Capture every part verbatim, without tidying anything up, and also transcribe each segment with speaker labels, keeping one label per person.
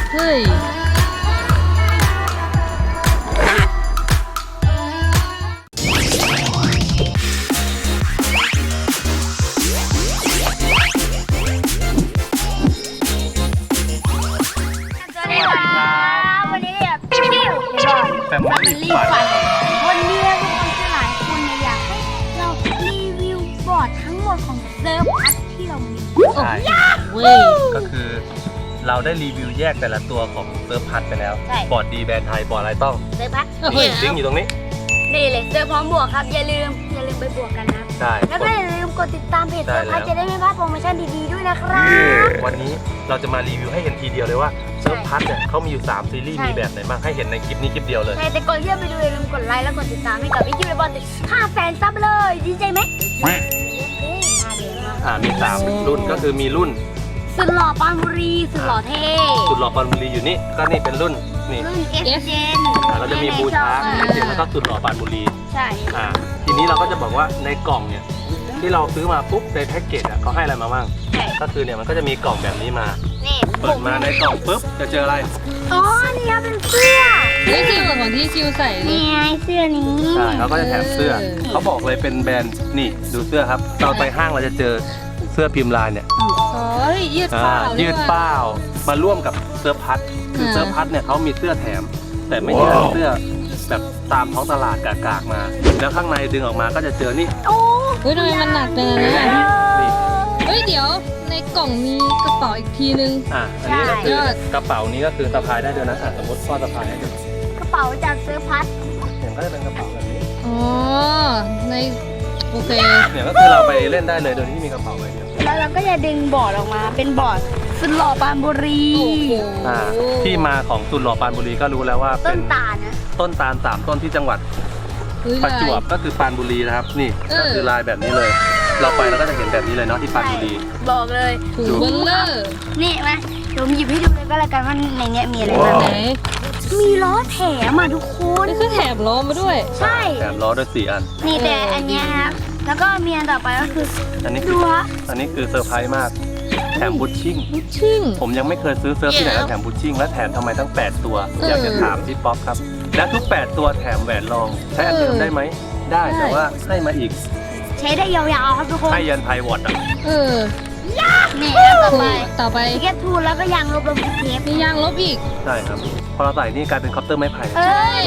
Speaker 1: เฮ้ย
Speaker 2: แฟมิลี่ฟันวันนี้ทุกคนที่หลายคนเนี่ยอยากให้เรารีวิวบอร์ดทั้งหมดของเซิร์ฟพัทที่เรามี
Speaker 3: ใช่ก็คือเราได้รีวิวแยกแต่ละตัวของเซิร์ฟพัทไปแล้วบอร์ดดีแบรนด์ไทยบอร์ดอะไรต้อง
Speaker 2: เซิร์ฟพัท
Speaker 3: ลิงก์อยู่ตรงนี้
Speaker 2: นี่เลยเซิร์ฟพร้อมบวกครับอย่าลืมอย่าลืมไปบวกกันนะ
Speaker 3: ใช่
Speaker 2: แล้วก็อย่าลืมกดติดตามเพจเซิร์ฟพัทจะได้ไม่พลาดโปรโมชั่นดีๆด้วยนะครับ
Speaker 3: วันนี้เราจะมารีวิวให้เห็นทีเดียวเลยว่าเซิร์ฟพัทเนี่ยเขามีอยู่สามซีรีส์มีแบบไหนบ้างให้เห็นในคลิปนี้คลิปเดียวเลย
Speaker 2: ใช่แต่ก่อนที่จะไปดูอย่าลืมกดไลค์แล้วกดติดตามให้กับพี่คิวและบอลติดห้าแสนซับเลยดีใจไหม
Speaker 3: อ่ามีสามรุ่นก็คือมีรุ่น
Speaker 2: สุดหล่อปานบุรีสุดหล่อเท่
Speaker 3: สุดหล่อปานบุรีอยู่นี่ก็นี่เป็นรุ่นนี่
Speaker 2: รุ่นเอฟเจน
Speaker 3: เราจะมีบูชาเอฟเจนแล้วก็สุดหล่อปานบุรี
Speaker 2: ใช่
Speaker 3: อ่าทีนี้เราก็จะบอกว่าในกล่องเนี่ยที่เราซื้อมาปุ๊บในแพ็กเกจอ่ะเขาให้อะไรมาบ้างก็คือเนี่ยมันก็จะมีกล่องแบบนี้มาเปิดมาในกล่องปุ๊บจะเจออะไร
Speaker 2: อ๋อนี่เป็นเสื้อ
Speaker 1: นี่คือเหมือนที่คิวใส่
Speaker 2: นี่ไงเสื้อนี้
Speaker 3: ใช่เขาก็จะแถมเสื้อเขาบอกเลยเป็นแบรนด์นี่ดูเสื้อครับเราไปห้างเราจะเจอเสื้อพิมพ์ลายเนี่ย
Speaker 1: อ๋อยืดเป้า
Speaker 3: ยืดเป้ามาร่วมกับเสื้อพัดคือเสื้อพัดเนี่ยเขามีเสื้อแถมแต่ไม่ใช่เสื้อแบบตามท้องตลาดกากๆมาแล้วข้างในดึงออกมาก็จะเจอนี่
Speaker 2: โอ้
Speaker 1: เฮ้ยทำไมมันหนักจังเลยเฮ้ยเดี๋ยวในกล่องมีกระเป๋าอีกทีนึง
Speaker 3: อ่ะอันนี้ก็คือกระเป๋านี้ก็คือสะพายได้ด้วยนะสมมติพ่อสะพายให้ดู
Speaker 2: กระเป๋าจากเสื้อพัด
Speaker 3: เนี่ยก็จะเป็นกระเป๋าแบบนี้
Speaker 1: อ๋อในโอเค
Speaker 3: เนี่ยก็คือเราไปเล่นได้เลยโดยที่มีกระเป๋าใบเดียว
Speaker 2: แล้วเราก็จะดึงบอร์ดออกมาเป็นบอร์ดสุดหล่อปานบุรี
Speaker 3: อ่าที่มาของสุดหล่อปานบุรีก็รู้แล้วว่า
Speaker 2: ต้นตาลนะ
Speaker 3: ต้นตาลสามต้นที่จังหวัดประจวบก็คือปานบุรีนะครับนี่ก็คือลายแบบนี้เลยเราไปเราก็จะเห็นแบบนี้เลยเนาะที่ปานบุรี
Speaker 2: บอกเลย
Speaker 1: ถูกเบลเลอร์
Speaker 2: นี่มาผมหยิบให้ดูเลยก็แล้วกันว่าในนี้มีอะไรบ้างมีล้อแถมอ่ะทุกคน
Speaker 1: นี่คือแถมล้อมาด้วย
Speaker 2: ใช่
Speaker 3: แถมล้อด้วยสี่อัน
Speaker 2: นี่แต่อันนี้ครับแล้วก็มีอันต่อไปก็คือ
Speaker 3: อันนี้คืออันนี้คือเซอร์ไพรส์มากแถมบูชชิ่ง
Speaker 1: บูชชิ่ง
Speaker 3: ผมยังไม่เคยซื้อเซิร์ฟที่ไหนแล้วแถมบูชชิ่งและแถมทำไมทั้งแปดตัวอยากจะถามพี่ป๊อปครับและทุกแปดตัวแถมแหวนรองใช้อันเดิมได้ไหมได้แต่ว่าให้มาอีก
Speaker 2: ใช้ได้ยาวๆครับทุกคน
Speaker 3: ให้ยันไพวอตอ่ะ
Speaker 1: เออ
Speaker 2: นี่ต่อไป
Speaker 1: ต่อไป
Speaker 2: เก็ตทูแล้วก็ยางลบลบเทป
Speaker 1: มียางลบอีก
Speaker 3: ใช่ครับพอเราใส่นี่กลายเป็นคอปเตอร์ไม้ไผ่
Speaker 2: เอ้ย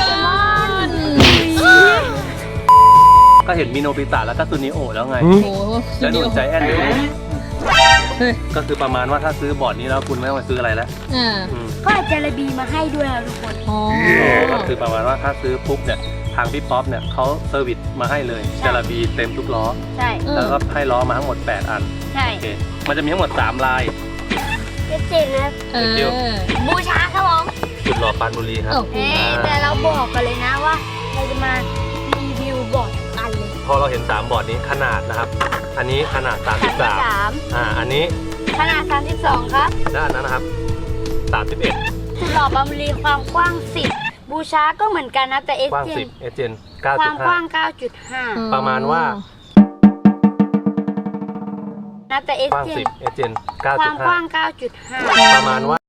Speaker 3: ก็เห็นมีโนบิตะแล้วก็ซูนิโอแล้วไงแล้วดูใจแอนดูก็คือประมาณว่าถ้าซื้อบอร์ดนี้แล้วคุณไม่ต้องไปซื้ออะไรแล้ว
Speaker 2: ก็อาจจะระบีมาให้ด้วยนะทุกคน
Speaker 1: อ๋อ
Speaker 3: ก็คือประมาณว่าถ้าซื้อปุ๊บเนี่ยทางพี่ป๊อปเนี่ยเขาเซอร์วิสมาให้เลยจาระบีเต็มทุกล้อ
Speaker 2: ใช่
Speaker 3: แล้วก็ให้ล้อมาทั้งหมดแปดอัน
Speaker 2: ใช่
Speaker 3: มันจะมีทั้งหมดสามลาย
Speaker 2: เจ๋งนะบูชาครับผม
Speaker 3: สุดหล่อปานบุรีครับ
Speaker 2: แต่เราบอกกันเลยนะว่าเราจะมารีวิวบอร์ดกันเลย
Speaker 3: พอเราเห็นสามบอร์ดนี้ขนาดนะครับอันนี้ขนาดสามสิบสามอ่าอันนี้
Speaker 2: ขนาดสามสิบสองครับ
Speaker 3: และอันนั้นนะครับสามสิบเอ็ด
Speaker 2: สุดหล่อปานบุรีความกว้างสิบบูชาก็เหมือนกันนะแต่เอสเจน
Speaker 3: เอสเจนเก้า
Speaker 2: ความกว้าง เก้าจุดห้า
Speaker 3: ประมาณว่า
Speaker 2: นะแต่เอสเจน
Speaker 3: เอสเจนเก้าจุดห้า
Speaker 2: ความกว้าง เก้าจุดห้า
Speaker 3: ประมาณว่า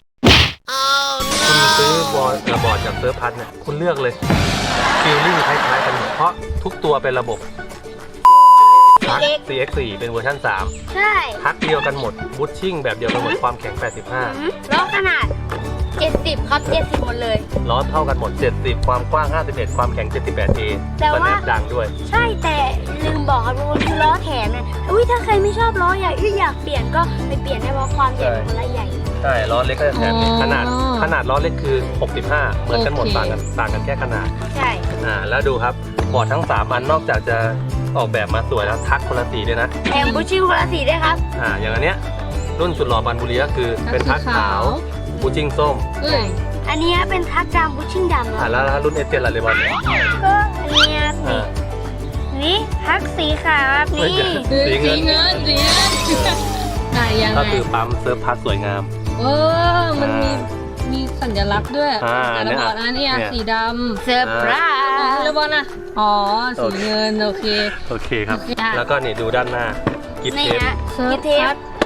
Speaker 3: คุณซื้อบอร์ดกับบอร์ดจากเซิร์ฟพัทเนี่ยคุณเลือกเลยฟีลลิ่งคล้ายๆกันเพราะทุกตัวเป็นระบบทัก ซี เอ็กซ์ โฟร์ เป็นเวอร์ชันสาม
Speaker 2: ใช่
Speaker 3: ทักเดียวกันหมดบูทชิ่งแบบเดียวกันหมดความแข็งแปดสิบห้า
Speaker 2: ล้อขนาดเจ็ดสิบครับเจ็ดสิบหมดเลย
Speaker 3: ล้อเท่ากันหมดเจ็ดสิบความกว้างห้าสิบเอ็ดความแข็งเจ็ดสิบแปดเอ
Speaker 2: แต่ว่า
Speaker 3: ดังด้วย
Speaker 2: ใช่แต่ลืมบอกครับทุกคนคือล้อแถมเนี่ยอุ้ยถ้าใครไม่ชอบล้อใหญ่อยากเปลี่ยนก็ไปเปลี่ยนได้เพราะความใหญ่ของล้อใหญ่
Speaker 3: ใช่ล้อเล็กก็จะแถมขนาดขนาดล้อเล็กคือหกสิบห้าเหมือนกันหมดต่างกันต่างกันแค่ขนาด
Speaker 2: ใช่
Speaker 3: อ่าแล้วดูครับบอร์ดทั้งสามอันนอกจากจะออกแบบมาสวยแล้วทักคนละสีเลยนะ
Speaker 2: แถมบูชิ่งคนละสีด้วยครับ
Speaker 3: อ่าอย่างอันเนี้ยรุ่นสุดหล่อปานบุรีก็คือเป็นทักขาวบูชิ่งส้ม
Speaker 2: อันนี้เป็นทักดำบูชิ่งดำ
Speaker 3: อ่าแล้วรุ่นเอสเจนอะไรเลยบอล
Speaker 2: ก็อันนี้นี่ทักสีขาวแบบนี้
Speaker 1: สีเงินสีเงินสีเงินอ่ายังไง
Speaker 3: ก็คือปั๊มเซิร์ฟพัทสวยงาม
Speaker 1: เออมันมีมีสัญลักษณ์ด้วยแต่ละบอร์ดอันนี้สีดำ
Speaker 2: เซอร์ไพรส์
Speaker 1: แล้วบอลนะอ๋อสีเงินโอเค
Speaker 3: โอเคครับแล้วก็นี่ดูด้านหน้ากิฟเทป
Speaker 2: กิฟเทป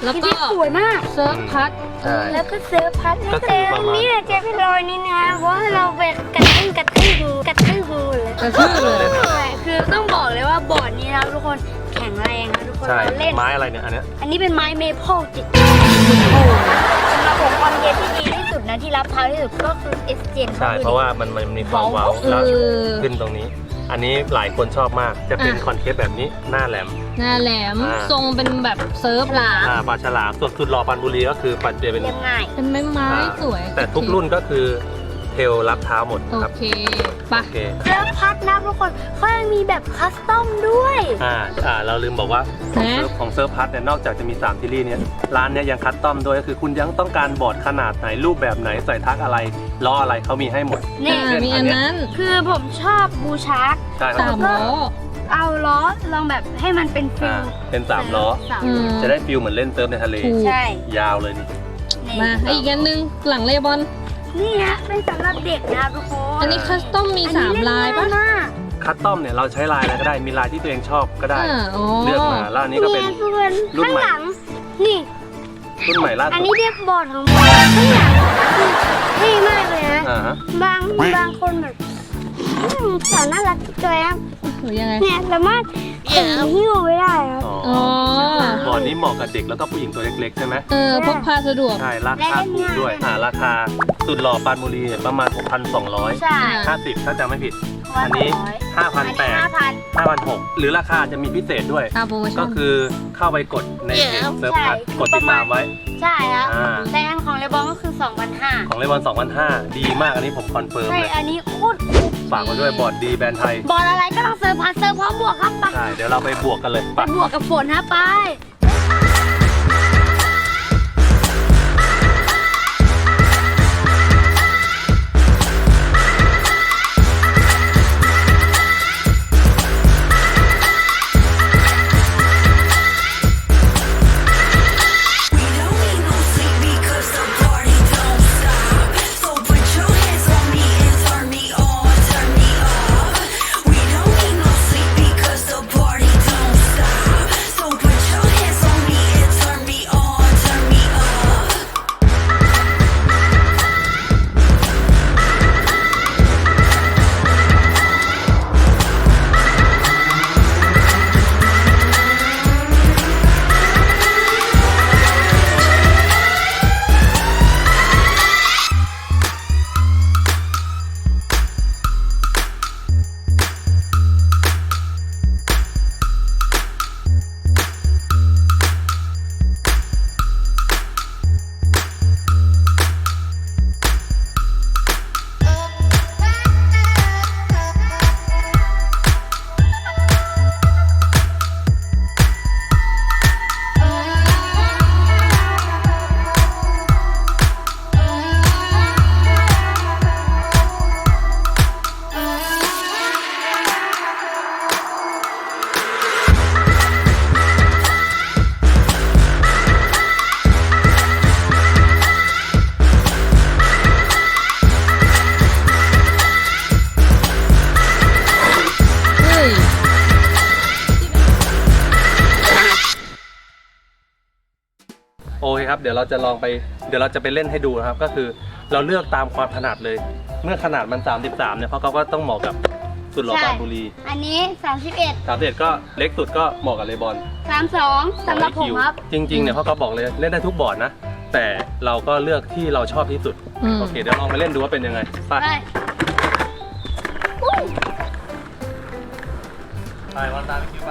Speaker 1: แล้ว
Speaker 2: ที่
Speaker 1: ก็
Speaker 2: ที่สวยมาก
Speaker 1: เซิร์ฟพัด
Speaker 3: ใช่
Speaker 2: แล้วก็เซิร์ฟพัด
Speaker 3: ก็
Speaker 2: แต่
Speaker 3: คือประมาณ
Speaker 2: นี่เจเป็นรอยนี่นะเพราะว่าเราไปกระทืบกระทืบงูกระทืบงูเลย
Speaker 1: กระทืบเลย
Speaker 2: ใช่คือต้องบอกเลยว่าบอร์ดนี้นะทุกคนแข็งแรงนะทุกคน
Speaker 3: ใช่
Speaker 2: เราเล่น
Speaker 3: ไม้อะไรเนี่ยอันเนี้ย
Speaker 2: อันนี้เป็นไม้เมเปิลจิตสำหรับผมความเย็นที่ดีที่สุดนะที่รับเท้าที่สุดก็คือเอสเจน
Speaker 3: ใช่เพราะว่ามันมันมีความเว้า
Speaker 1: เอ
Speaker 3: แล้ว
Speaker 1: อ
Speaker 3: ขึ้นตรงนี้ อันนี้หลายคนชอบมากจะเป็น
Speaker 1: อ่ะ
Speaker 3: คอนเทปแบบนี้หน้าแหลม
Speaker 1: หน้าแหลม
Speaker 3: อ่า
Speaker 1: ทรงเป็นแบบเซิร์ฟหลา
Speaker 3: อ่าปลาฉลามส่วนสุดหล่อปันบุรีก็คือปันเจเป็น
Speaker 2: เรียบง่าย
Speaker 1: เป็นไม้ไม้
Speaker 3: อ่า
Speaker 1: สวย
Speaker 3: แต่ทุกรุ่นก็คือเทลรับเท้าหมด
Speaker 1: โอ
Speaker 3: ครับ
Speaker 1: เคไปะ
Speaker 3: โอเค
Speaker 2: เซิร์ฟพัดนะทุกคนเขายังมีแบบคัสตอมด้วย
Speaker 3: อ่าอ่าเราลืมบอกว่าของเซิร์ฟของเซิร์ฟพัทเนี่ยนอกจากจะมีสามซีรีส์เนี่ยร้านเนี่ยยังคัสตอมด้วยก็คือคุณยังต้องการบอร์ดขนาดไหนรูปแบบไหนใส่ทักอะไรล้ออะไรเขามีให้หมด
Speaker 2: นี่
Speaker 1: อ่ามีอันนั้น
Speaker 2: คือผมชอบบูชาร์ก
Speaker 3: ใช่ค
Speaker 1: สา
Speaker 3: รับ
Speaker 1: มล้อ
Speaker 2: เอาล้อลองแบบให้มันเป็นฟิ
Speaker 3: อ่า
Speaker 2: ล
Speaker 3: เป็นสามล้อ
Speaker 2: สาม
Speaker 1: อืม
Speaker 3: จะได้ฟิลเหมือนเล่นเซิร์ฟในทะเล
Speaker 1: ถูก
Speaker 2: ใช่
Speaker 3: ยาวเลยนี่
Speaker 2: นี่
Speaker 1: มาอีกอันหนึงหลังเลบอน
Speaker 2: นี่ฮะเป็นสำหรับเด็กนะครับทุกคน
Speaker 1: อันนี้คัสตอมมีสามลายปะ
Speaker 2: อันนี้เนง่มาก
Speaker 3: คัสตอมเนี่ยเราใช้ลายอะไรก็ได้มีลายที่ตัวเองชอบก็ได้
Speaker 1: อ่าอ๋อ
Speaker 3: เลือกมาแล้วอันนี้ก็เป็น
Speaker 2: ยทุกคน
Speaker 3: รุ่น
Speaker 2: ข้าง
Speaker 3: ใหม่
Speaker 2: หลัง นี่
Speaker 3: รุ่นใหม่ล่า
Speaker 2: อัน
Speaker 3: สุด
Speaker 2: นี้เรียกบอร์ดของผมข้างหลังคือเท่มากเลยนะ
Speaker 3: อ่าฮะ
Speaker 2: บางบางคนแบบอืมสาวน่ารักจังเลยครับ
Speaker 1: หรือยังไง
Speaker 2: เนี่ยสามารถถือหิ้วไม่ได้ครับ
Speaker 3: อ๋อ
Speaker 1: อ๋อ
Speaker 3: บอร์ดนี้เหมาะกับเด็กแล้วก็ผู้หญิงตัวเล็กๆใช่ไหม
Speaker 1: เออพกพาสะดวก
Speaker 3: ใช่ราคาถูกด้วยอ่าราคาสุดหล่อปานบุรีเนี่ยประมาณ หกพันสองร้อย
Speaker 2: ใช่
Speaker 3: ห้าสิบถ้าจำไม่ผิด อันนี้ ห้าพันแปด
Speaker 2: ห้าพัน
Speaker 3: ห้าพันหกหรือราคาจะมีพิเศษด้วย
Speaker 1: ตามโปรโมชั่
Speaker 3: ก็
Speaker 1: น
Speaker 3: คือเข้าไปกดในเพจเซิร์ฟพัทกดติดตามไว้
Speaker 2: ใช่ครับ
Speaker 3: อ่า
Speaker 2: แต่อันของเลบองก็คือสองพันห้า
Speaker 3: ของเลบอนสองพันห้าดีมากอันนี้ผมคอนเฟิร์ม
Speaker 2: ใช่
Speaker 3: เลย
Speaker 2: อันนี้โคตรคุ้ม
Speaker 3: ฝากมาด้วยบอร์ดดีแบรนด์ไทย
Speaker 2: บอลอะไรก็ต้องเซิร์ฟพัสเซิร์ฟพร้อมบวกครับไป
Speaker 3: ใช่ เดี๋ยวเราไปบวกกันเลย
Speaker 2: ไป
Speaker 3: ไป
Speaker 2: บวกกับฝนฮะไป
Speaker 4: We don't need no sleep because the party don't stop. So put your hands on me and turn me on, turn me up. We don't need no sleep because the party don't stop. So put your hands on me and turn me on, turn me up.
Speaker 1: เฮ้ย
Speaker 3: โอเคครับ เดี๋ยวเราจะลองไป เดี๋ยวเราจะไปเล่นให้ดูนะครับ ก็คือเราเลือกตามความถนัดเลย เมื่อขนาดมัน สามสิบสาม เนี่ยเพราะเขาก็ต้องเหมาะกับสุดหล่อปานบุรี
Speaker 2: อันนี้สามสิบเอ็ด
Speaker 3: สามสิบเอ็ดก็เล็กสุดก็เหมาะกับเลบอน
Speaker 2: สามสองสำหรับผมครับ
Speaker 3: จริงๆเนี่ยเขาก็บอกเลยเล่นได้ทุกบอร์ดนะ แต่เราก็เลือกที่เราชอบที่สุด
Speaker 1: อืม
Speaker 3: โอเค เดี๋ยวลองไปเล่นดูว่าเป็นยังไง ไป
Speaker 2: ไปอุ้ย
Speaker 3: ไปวันตามคิวไป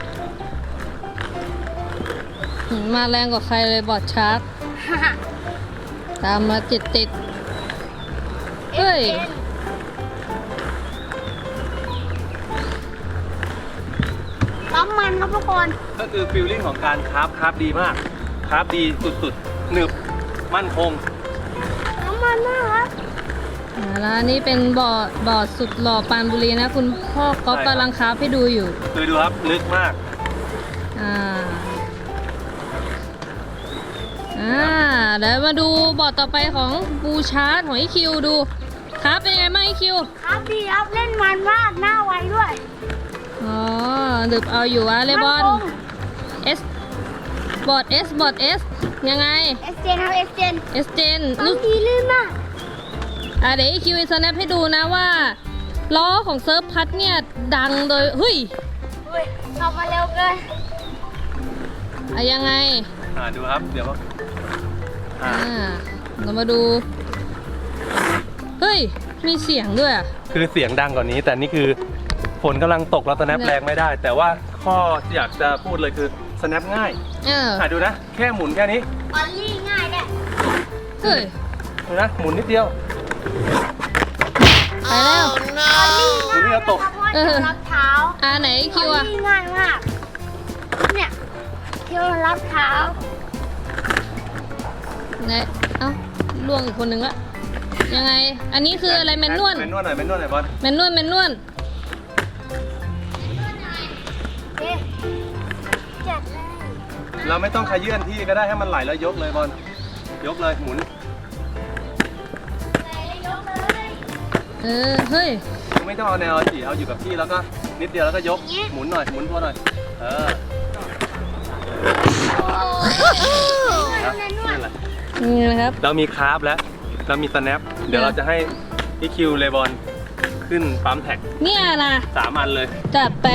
Speaker 1: มาแรงกว่าใครเลยบอร์ดชาร์กตามมาติดติดๆเฮ้ย
Speaker 2: น้ำมันครับทุกคน
Speaker 3: ก็คือฟิลลิ่งของการคราฟคราฟดีมากคราฟดีสุดๆหนึบมั่นคง
Speaker 2: น้ำมันมากครับ
Speaker 1: อ่าแล้วอันนี้เป็นบอร์ดบอร์ดสุดหล่อปานบุรีนะ คุณพ่อก๊อฟ
Speaker 3: ใช่ครับ
Speaker 1: กำลังคราฟให้ดูอยู่
Speaker 3: คือดูครับลึกมาก
Speaker 1: อ่า อ่า เดี๋ยวมาดูบอร์ดต่อไปของบูชาร์ดของไอคิวดู ครับเป็นยังไงบ้างไอคิว
Speaker 2: ครับดีครับเล่นมันมากหน้าไวด้วย
Speaker 1: อ๋อดึบเอาอยู่อะเลบอน
Speaker 2: มั่นคง
Speaker 1: เอสบอร์ด S บอร์ด S ยังไง
Speaker 2: เอสเจนครับเอสเจน
Speaker 1: S Gen
Speaker 2: บาง
Speaker 1: นึก
Speaker 2: ทีลื่นมาก
Speaker 1: อ่ะเดี๋ยวอีคิวสแนปให้ดูนะว่าล้อของเซิร์ฟพัดเนี่ยดังโดยเฮ้ย
Speaker 2: อุ้ยขับมาเร็วเกิน
Speaker 1: อะยังไง
Speaker 3: อ่าดูครับเดี๋ยวอ่า
Speaker 1: อ่าเรามาดู เฮ้ย มีเสียงด้วยอ่ะ
Speaker 3: คือเสียงดังกว่านี้ แต่นี่คือฝนกำลังตกแล้วสแนปแรงไม่ได้ แต่ว่าข้อที่อยากจะพูดเลยคือสแนปง่าย
Speaker 1: เออ
Speaker 3: อ่าดูนะ แค่หมุนแค่นี้
Speaker 2: ออลลี่ง่ายแน่
Speaker 1: เฮ้ย
Speaker 3: ดูนะหมุนนิดเดียว
Speaker 1: ไปแล้ว
Speaker 2: ออลลี่ง่าย
Speaker 3: หมุนนิดเดียวตก
Speaker 2: เพราะว่าจะรับเท้า
Speaker 1: อ่าไหนคิว
Speaker 2: ออ
Speaker 1: อ่ะ
Speaker 2: ลลี่ง่ายมาก เนี่ยเที่ยวรับเท้า
Speaker 1: ไหนเอ้าล่วงอีกคนนึงละยังไง อันนี้คืออะไรแมนนวล
Speaker 3: แมนนวลหน่อยแมนนวลหน่อยบอล
Speaker 1: แมนนวลแมนนวล
Speaker 2: เอ๊ะจัดเลย
Speaker 3: เราไม่ต้องขยื่นที่ก็ได้ให้มันไหลแล้วยกเลยบอลยกเลยหมุน
Speaker 1: เออ เฮ้ย
Speaker 3: ไม่ต้องเอาแนวจีเอาอยู่กับที่แล้วก็นิดเดียวแล้วก็ยกหมุนหน่อยหมุนตัวหน่อยเออครับนี่แหละ
Speaker 1: นี่นะครับ
Speaker 3: เรามีคาร์บแล้วเรามีสแนปเดี๋ยวเราจะให้อีคิวเลบอนขึ้นปั๊มแท็ก
Speaker 1: เนี่ยนะ
Speaker 3: สามอันเลย
Speaker 1: จัดไป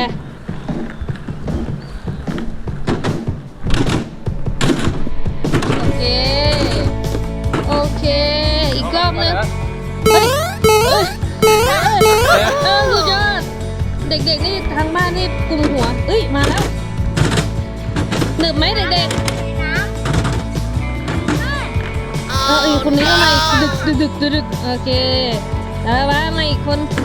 Speaker 1: โอเค โอเค อีกรอบนึง เฮ้ยเฮ้ยเฮ้ยเออสุดยอด เด็กๆนี่ทางบ้านนี่กลุ่มหัวเอ้ย มาแล้วหนึบไหมเด็กๆ เอออีกคนนี้ก็มาอีกดึกดึกดึกดึกดึกโอเคแล้วว่ามาอีกคน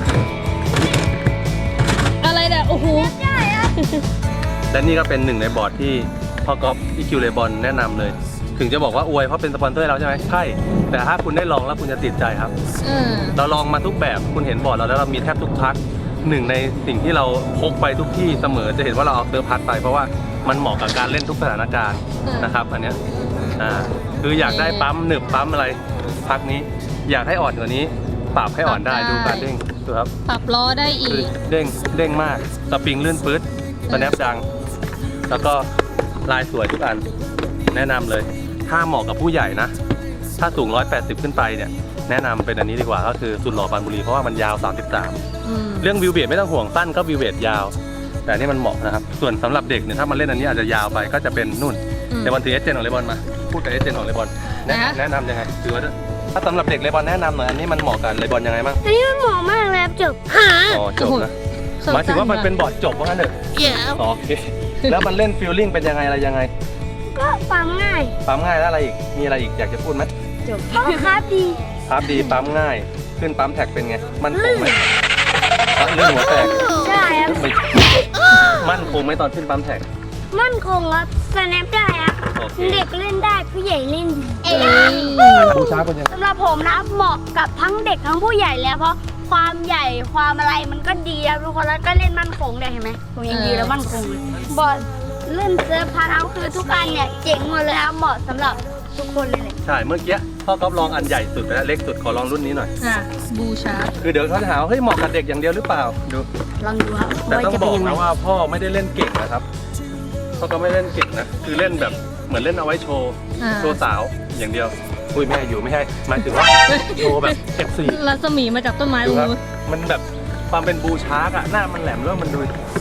Speaker 1: อะไรเนี่ยโอ้โห
Speaker 3: และนี่ก็เป็นหนึ่งในบอร์ดที่พ่อก๊อฟอีคิวเลบอนแนะนำเลย ถึงจะบอกว่าอวยเพราะเป็นสปอนเซอร์เราใช่ไหมใช่แต่ถ้าคุณได้ลองแล้วคุณจะติดใจครับ
Speaker 1: เออ
Speaker 3: เราลองมาทุกแบบคุณเห็นบอร์ดเราแล้วเรามีแทบทุกพักหนึ่งในสิ่งที่เราพกไปทุกที่เสมอจะเห็นว่าเราเอาเซิร์ฟพัดไปเพราะว่ามันเหมาะกับการเล่นทุกสถานการณ์นะครับอันเนี้ยอ่าคืออยากได้ปั๊มหนึบปั๊มอะไรพักนี้อยากให้อ่อนกว่านี้ปรับให้อ่อนได้ดูการเด้งดูครับ
Speaker 1: ปรับล้อได้อี
Speaker 3: คือก เด้งเด้งมากสปริงลื่นปื๊ดสแนปดัง แล้วก็ลายสวยทุกอันแนะนำเลยถ้าเหมาะกับผู้ใหญ่นะ ถ้าสูงหนึ่งร้อยแปดสิบขึ้นไปเนี่ยแนะนำเป็นอันนี้ดีกว่าก็คือสุดหล่อปรานบุรีเพราะว่ามันยาวสามสิบสาม
Speaker 1: อืม
Speaker 3: เรื่องวิวเบดไม่ต้องห่วงสั้นก็วิวเบดยาว แต่อันนี่มันเหมาะนะครับส่วนสำหรับเด็กเนี่ยถ้ามันเล่นอันนี้อาจจะยาวไปก็จะเป็นนุ่น
Speaker 1: อืม
Speaker 3: เลบอนถือเอสเจนของเลบอนมาพูดกับเอสเจนของเลบอนแนะ
Speaker 1: นะ
Speaker 3: แนะนำยังไงถือว่าถ้าสำหรับเด็กเลบอนแนะนำหน่อยอันนี้มันเหมาะกับเลบอนยังไงบ้าง
Speaker 2: อันนี้มันเหมาะมากเลยครับจบ
Speaker 3: อ๋อจบนะหมายถึงว่ามันเป็นบอร์ดจบว่างั้นเถอะ
Speaker 1: เดี๋ยว
Speaker 3: อ๋อโอเคแล้วมันเล่นฟิลลิ่งเป็นยังไงอะไรยังไง
Speaker 2: ก็ฟังง่าย
Speaker 3: ปั๊มง่ายแล้วอะไรอีกมีอะไรอีกอยากจะพูดไหม
Speaker 2: จบก็ครับดี
Speaker 3: ครับดีปั๊มง่ายขึ้นปั๊มแท็กเป็นไงมันคงไหมเรื่องหัวแตก
Speaker 2: ใช่ครับ
Speaker 3: ไม่มั่นคงไหมตอนขึ้นปั๊มแท็ก
Speaker 2: มั่นคงครับสแนปได้ครับ
Speaker 3: โอเค
Speaker 2: เด็กเล่นได้ผู้ใหญ่เล่นดี
Speaker 1: เอ้ย
Speaker 3: บูชาเป็นยังไง
Speaker 2: สำหรับผมนะเหมาะกับทั้งเด็กทั้งผู้ใหญ่แล้วเพราะความใหญ่ความอะไรมันก็ดีครับทุกคนแล้วก็เล่นมั่นคงได้เห็นไหมผมยังดีแล้วมั่นคงเลยบอลเล่นเซิร์ฟพาร์ทเอาท์คือทุกอันเนี่ยเจ๋งหมดเลยครับเหมาะสำหรับทุกคนเลยแหละ
Speaker 3: ใช่เมื่อกี้พ่อก๊อฟลองอันใหญ่สุดไปแล้วเล็กสุดขอลองรุ่นนี้หน่อย
Speaker 1: อ่ะบูชา
Speaker 3: คือเดี๋ยวเขาจะหาว่าเฮ้ยเหมาะกับเด็กอย่างเดียวหรือเปล่าดู
Speaker 2: ลองดูครับ
Speaker 3: แต่ต้อง
Speaker 2: จะ
Speaker 3: บ
Speaker 2: เป็น
Speaker 3: อก
Speaker 2: ยังไง
Speaker 3: นะว่าพ่อไม่ได้เล่นเก่งนะครับพ่อก็ไม่เล่นเก่งนะคือเล่นแบบเหมือนเล่นเอาไว้โชว์
Speaker 1: อ่า
Speaker 3: โชว์สาวอย่างเดียวอุ้ยไม่ให้อยู่ไม่ให้หมายถึงว่าโชว์แบบเอฟซี
Speaker 1: รัศมีมาจากต้นไม้ต
Speaker 3: ดู
Speaker 1: รง
Speaker 3: ครับ
Speaker 1: นู้น
Speaker 3: มันแบบความเป็นบูชาร์กอะหน้ามันแหลมแล้วมันดู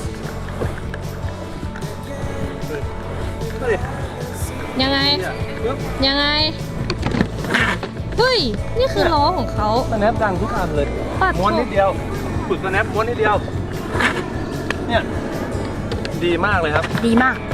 Speaker 3: เฮ้ย
Speaker 1: ยังไง
Speaker 3: เนี่ยปึ๊บ
Speaker 1: ยังไง เฮ้ย นี่คือล้อของเขา
Speaker 3: สแนปดังทุกอันเลย
Speaker 1: ปัด
Speaker 3: ม้วนนิดเดียวฝึกสแนปม้วนนิดเดียวเนี่ยดีมากเลยครับ
Speaker 2: ดีมาก